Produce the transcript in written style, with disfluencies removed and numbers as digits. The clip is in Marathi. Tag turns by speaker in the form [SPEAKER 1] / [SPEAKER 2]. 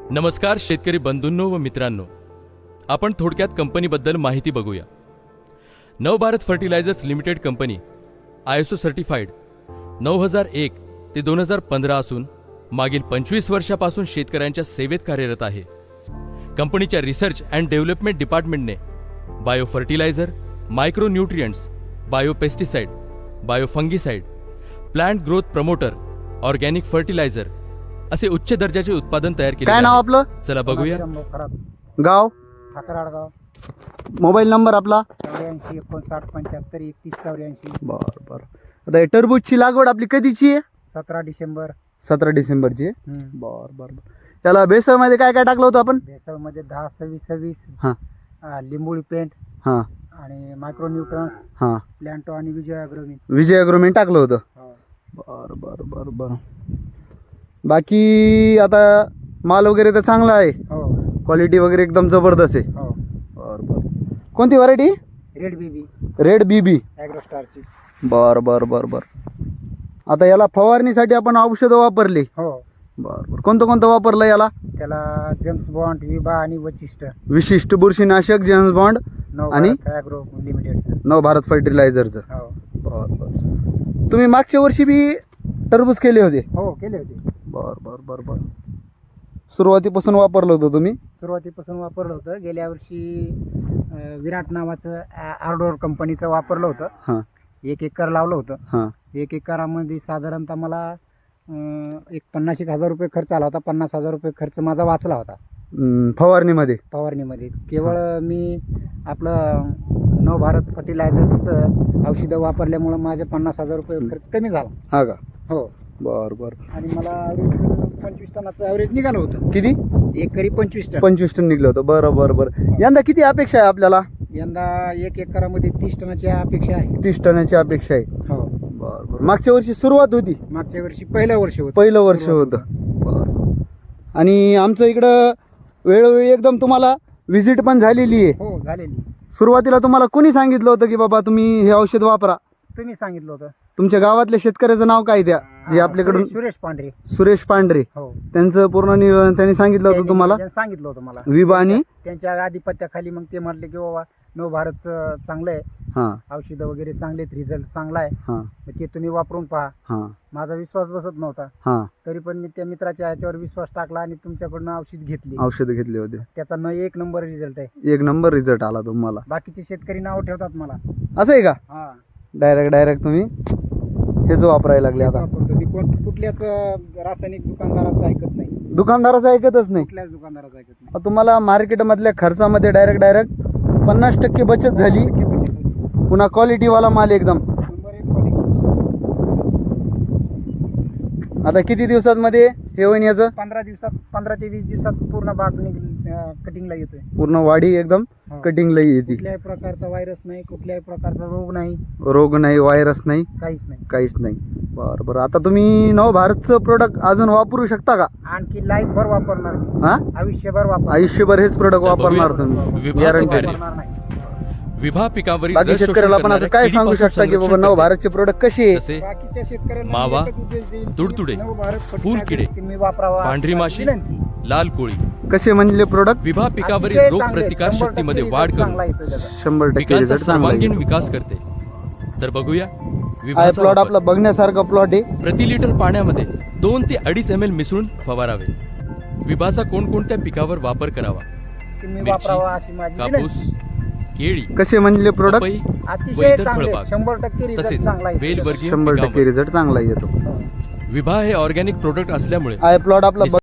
[SPEAKER 1] नमस्कार शेतकरी बंधूंनो व मित्रांनो, आपण थोडक्यात कंपनीबद्दल माहिती बघूया. Navbharat fertilisers limited company ISO certified 9001 ते 2015 असून मागील 25 वर्षापासून शेतकऱ्यांच्या सेवेत कार्यरत आहे. कंपनीच्या रिसर्च अँड डेव्हलपमेंट डिपार्टमेंटने bio fertiliser, micro nutrients, bio pesticide, bio fungicide, plant growth promoter, organic fertiliser असे उच्च दर्जाचे उत्पादन तयार केले.
[SPEAKER 2] काय नाव आपलं?
[SPEAKER 1] चला बघूया.
[SPEAKER 2] गाव,
[SPEAKER 3] ठाकराडगाव,
[SPEAKER 2] मोबाईल नंबर आपला.
[SPEAKER 3] 84 59 75 31 84.
[SPEAKER 2] बर बर. आता हे टरबूजची लागवड आपली कधीची आहे?
[SPEAKER 3] 17 डिसेंबर.
[SPEAKER 2] 17 डिसेंबरची आहे. बर बर बर. त्याला बेसळ मध्ये काय काय टाकलं होतं आपण?
[SPEAKER 3] बेसळमध्ये 10 26 26
[SPEAKER 2] हां
[SPEAKER 3] लिंबोळी पेंट
[SPEAKER 2] हां
[SPEAKER 3] आणि मायक्रो न्यूट्रन्स,
[SPEAKER 2] हां
[SPEAKER 3] प्लॅन्टो आणि विजय अग्रोमी.
[SPEAKER 2] विजय अग्रोमेंट टाकलं होतं. बर बर बर बर. बाकी आता माल वगैरे तर चांगला आहे,
[SPEAKER 3] हो
[SPEAKER 2] क्वालिटी वगैरे एकदम जबरदस्त आहे.
[SPEAKER 3] हो.
[SPEAKER 2] बर बर. कोणती variety?
[SPEAKER 3] Red BB
[SPEAKER 2] red BB.
[SPEAKER 3] ॲग्रोस्टारची.
[SPEAKER 2] बर बर बर बर. आता याला फवारणीसाठी आपण औषधं वापरली.
[SPEAKER 3] हो.
[SPEAKER 2] बर बर. कोणतं वापरलं याला?
[SPEAKER 3] त्याला जेम्स बॉन्ड, विभा आणि वचिष्ठ.
[SPEAKER 2] विशिष्ट बुरशीनाशक, जेम्स बॉन्ड आणि
[SPEAKER 3] ॲग्रो लिमिटेडचं.
[SPEAKER 2] नवभारत फर्टिलायझरचं.
[SPEAKER 3] हो
[SPEAKER 2] बर बर. तुम्ही मागच्या वर्षी बी टरबूज केले होते?
[SPEAKER 3] हो केले होते.
[SPEAKER 2] बर बर बर बर. सुरुवातीपासून वापरलं होतं तुम्ही?
[SPEAKER 3] सुरुवातीपासून वापरलं होतं. गेल्या वर्षी विराट नावाचं आर्डोर कंपनीचं वापरलं होतं.
[SPEAKER 2] हां
[SPEAKER 3] 1 एकर लावलं होतं.
[SPEAKER 2] हां
[SPEAKER 3] 1 एकरामध्ये साधारणतः मला एक 50,000 रुपये खर्च आला होता. 50,000 रुपये खर्च माझा वाचला होता
[SPEAKER 2] फवारणीमध्ये.
[SPEAKER 3] फवारणीमध्ये. केवळ मी आपलं नवभारत फर्टिलायझर्स औषधं वापरल्यामुळं माझे 50,000 रुपये खर्च कमी झाला.
[SPEAKER 2] हा का?
[SPEAKER 3] हो.
[SPEAKER 2] बर बर.
[SPEAKER 3] आणि मला 25 टनाचं ॲव्हरेज निघालं होतं.
[SPEAKER 2] किती?
[SPEAKER 3] एकरी 25 टन.
[SPEAKER 2] 25 टन निघलं होतं. बरं बरं बरं. यंदा किती अपेक्षा आहे आपल्याला?
[SPEAKER 3] यंदा 1 एकरामध्ये 30 टनाची अपेक्षा आहे.
[SPEAKER 2] 30 टनाची अपेक्षा आहे.
[SPEAKER 3] हो.
[SPEAKER 2] बर बर. मागच्या वर्षी सुरुवात होती?
[SPEAKER 3] मागच्या वर्षी पहिलं वर्ष
[SPEAKER 2] होतं. बर. आणि आमचं इकडं वेळोवेळी एकदम तुम्हाला व्हिजिट पण झालेली आहे.
[SPEAKER 3] हो झालेली.
[SPEAKER 2] सुरुवातीला तुम्हाला कोणी सांगितलं होतं की बाबा तुम्ही हे औषध वापरा?
[SPEAKER 3] तुम्ही सांगितलं होतं.
[SPEAKER 2] तुमच्या गावातल्या शेतकऱ्याचं नाव काय द्या जे आपल्याकडून?
[SPEAKER 3] सुरेश पांढरे.
[SPEAKER 2] सुरेश पांढरे.
[SPEAKER 3] हो.
[SPEAKER 2] त्यांचं पूर्ण नियोजन त्यांनी सांगितलं होतं तुम्हाला?
[SPEAKER 3] त्यांनी सांगितलं होतं मला.
[SPEAKER 2] विभा आणि
[SPEAKER 3] त्यांच्या आधिपत्याखाली मग ते म्हटले की बाबा नवभारतचं चांगलं आहे,
[SPEAKER 2] हां
[SPEAKER 3] औषधं वगैरे चांगले आहेत, रिझल्ट चांगला आहे,
[SPEAKER 2] हां
[SPEAKER 3] मग ते तुम्ही वापरून पहा.
[SPEAKER 2] हां
[SPEAKER 3] माझा विश्वास बसत नव्हता.
[SPEAKER 2] हां
[SPEAKER 3] तरी पण मी त्या मित्राच्या ह्याच्यावर विश्वास टाकला आणि तुमच्याकडून औषध घेतली.
[SPEAKER 2] औषधं घेतले होते.
[SPEAKER 3] त्याचा 1 नंबर रिझल्ट आहे.
[SPEAKER 2] 1 नंबर रिझल्ट आला तुम्हाला?
[SPEAKER 3] बाकीचे शेतकरी नाव ठेवतात मला.
[SPEAKER 2] असं आहे का?
[SPEAKER 3] हा
[SPEAKER 2] डायरेक्ट तुम्ही हेच वापरायला लागले आता?
[SPEAKER 3] वापरतो मी. कुठल्याच रासायनिक दुकानदाराचं ऐकत नाही.
[SPEAKER 2] दुकानदाराचं ऐकतच नाही?
[SPEAKER 3] कुठल्याच दुकानदाराचं ऐकत नाही.
[SPEAKER 2] आता तुम्हाला मार्केटमधल्या खर्चामध्ये डायरेक्ट 50% बचत झाली. पुन्हा क्वालिटीवाला माल एकदम.
[SPEAKER 3] Number 1 quality.
[SPEAKER 2] आता किती दिवसांमध्ये हे होईन याचं?
[SPEAKER 3] 15 दिवसात, 15 ते 20 दिवसात पूर्ण बाग कटिंगला येतोय.
[SPEAKER 2] पूर्ण वाढी एकदम
[SPEAKER 3] हो.
[SPEAKER 2] कटिंगला येते.
[SPEAKER 3] कुठल्याही प्रकारचा व्हायरस नाही, कुठल्याही प्रकारचा रोग नाही,
[SPEAKER 2] रोग नाही, व्हायरस नाही,
[SPEAKER 3] काहीच नाही.
[SPEAKER 2] बरं बरं. आता तुम्ही नवभारतचं प्रोडक्ट अजून वापरू शकता का?
[SPEAKER 3] आणखी लाईफ भर वापरणार मी.
[SPEAKER 2] हा
[SPEAKER 3] आयुष्यभर वापरणार.
[SPEAKER 2] आयुष्यभर हेच प्रोडक्ट वापरणार तुम्ही?
[SPEAKER 1] विभाचं
[SPEAKER 2] गॅरंटी?
[SPEAKER 1] कार्य.
[SPEAKER 3] वापरणार नाही.
[SPEAKER 1] विभा पिकावरील
[SPEAKER 2] बाकी
[SPEAKER 1] रस शोषण
[SPEAKER 2] शेतकऱ्याला पण असं
[SPEAKER 1] करणाऱ्या
[SPEAKER 2] काय सांगू
[SPEAKER 1] किडीपासून
[SPEAKER 2] शकता की बाबा
[SPEAKER 1] संरक्षण
[SPEAKER 2] नवभारतचे प्रोडक्ट कसे
[SPEAKER 1] करते.
[SPEAKER 2] आहे?
[SPEAKER 1] जसे
[SPEAKER 3] बाकीच्या शेतकऱ्यांना
[SPEAKER 1] मावा,
[SPEAKER 3] एकच उद्देश देईल की
[SPEAKER 1] तुडतुडे,
[SPEAKER 3] नवभारत
[SPEAKER 1] फूल किडे,
[SPEAKER 3] तुम्ही वापरावा.
[SPEAKER 1] पांढरी माशी,
[SPEAKER 3] विनंती.
[SPEAKER 1] लाल कोळी,
[SPEAKER 2] कसे म्हणले प्रोडक्ट?
[SPEAKER 1] विभा पिकावरील
[SPEAKER 3] अतिशय
[SPEAKER 1] रोग
[SPEAKER 3] चांगले,
[SPEAKER 1] प्रतिकार
[SPEAKER 3] 100%
[SPEAKER 1] शक्तीमध्ये
[SPEAKER 3] result
[SPEAKER 1] वाढ
[SPEAKER 3] चांगला
[SPEAKER 1] करून
[SPEAKER 3] येतो त्याचा.
[SPEAKER 2] 100%
[SPEAKER 1] पिकांचा
[SPEAKER 2] रिझल्ट चांगला
[SPEAKER 1] सर्वांगीण
[SPEAKER 2] आहे.
[SPEAKER 1] विकास करते. तर बघूया
[SPEAKER 2] हा
[SPEAKER 1] विभाचा
[SPEAKER 2] प्लॉट
[SPEAKER 1] वापर.
[SPEAKER 2] आपला बघण्यासारखा प्लॉट आहे.
[SPEAKER 1] प्रति लिटर पाण्यामध्ये 2 ते 2.5 ml मिसळून फवारावे. विभाचा कोणकोणत्या पिकावर वापर करावा?
[SPEAKER 3] तुम्ही
[SPEAKER 1] मिरची,
[SPEAKER 3] वापरावा अशी माझी
[SPEAKER 1] कापूस, केळी,
[SPEAKER 2] कसे म्हणले प्रोडक्ट?
[SPEAKER 1] पपई व
[SPEAKER 3] अतिशय
[SPEAKER 1] इतर
[SPEAKER 3] चांगले,
[SPEAKER 1] फळबाग
[SPEAKER 3] 100% रिझल्ट
[SPEAKER 1] तसेच
[SPEAKER 3] चांगला येतो.
[SPEAKER 1] वेलवर्गीय
[SPEAKER 2] 100%
[SPEAKER 1] पिकांवर.
[SPEAKER 2] रिझल्ट चांगला येतो.
[SPEAKER 1] विभा हे ऑर्गॅनिक प्रोडक्ट असल्यामुळे
[SPEAKER 2] हा प्लॉट आपला